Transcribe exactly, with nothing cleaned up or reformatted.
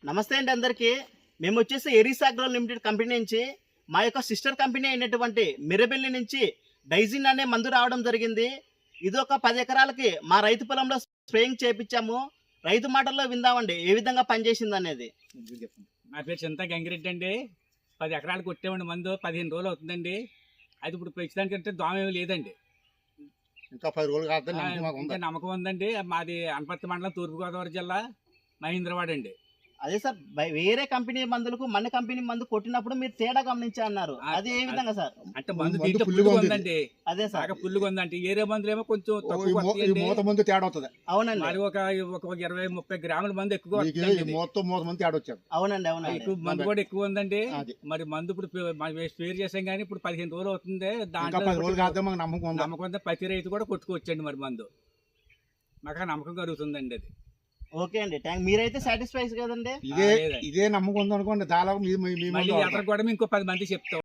నమస్తే అండి అందరికీ. మేము వచ్చేసి ఎరీస్ అగ్రో లిమిటెడ్ కంపెనీ నుంచి మా యొక్క సిస్టర్ కంపెనీ అయినటువంటి మిరబెల్లి నుంచి డైజిన్ అనే మందు రావడం జరిగింది. ఇది ఒక పది ఎకరాలకి మా రైతు పొలంలో స్ప్రేయింగ్ చేయించాము. రైతు మాటల్లో విందామండి ఏ విధంగా పనిచేసింది అనేది. నా పేరు చింత గంగిరెడ్డి అండి. పది ఎకరాలు కొట్టేవండి మందు. పదిహేను రోజులు అవుతుందండి. అది ఇప్పుడు పెంచడానికంటే దోమ ఏమీ లేదండి. ఇంకా పది రోజులు కాదు ఇంకా నమ్మకం ఉందండి. మాది అనపర్తి మండలం తూర్పుగోదావరి జిల్లా మహేంద్రవాడ అండి. అదే సార్, వేరే కంపెనీ మందులకు మన కంపెనీ మందు కొట్టినప్పుడు మీరు తేడా గమనించా అన్నారు. అది ఏ విధంగా సార్? అంటే మందు దీంట్లో పుల్లుగా ఉందండి. అదే సార్, బాగా పుల్లుగా ఉందండి. ఏరే మందులు ఏమో కొంచెం తక్కువ మూత మంది తేడా అవుతుంది. అవునండి, మరి ఒక ఒక ఇరవై ముప్పై గ్రాముల మందు ఎక్కువ మొత్తం మూత మంది తేడా వచ్చారు. అవునండి అవునండి ఎక్కువ మందు కూడా ఎక్కువ ఉందండి. మరి మందు ఇప్పుడు స్పేర్ చేసాం కానీ ఇప్పుడు పదిహేను రోజులు అవుతుంది. దాంట్లో పది రోజులు కాదు మాకు నమ్మకం ఉంది. నమ్మకం ఉందా ప్రతి రైతు కూడా కొట్టుకోవచ్చండి. మరి మందు మాకు నమ్మకం కలుగుతుందండి. అది ఓకే అండి, థ్యాంక్. మీరైతే సాటిస్ఫై కదండి? ఇదే ఇదే నమ్మకం ఉంది అనుకోండి. దాదాపు మళ్ళీ అతను కూడా ఇంకో పది మంది చెప్తాం.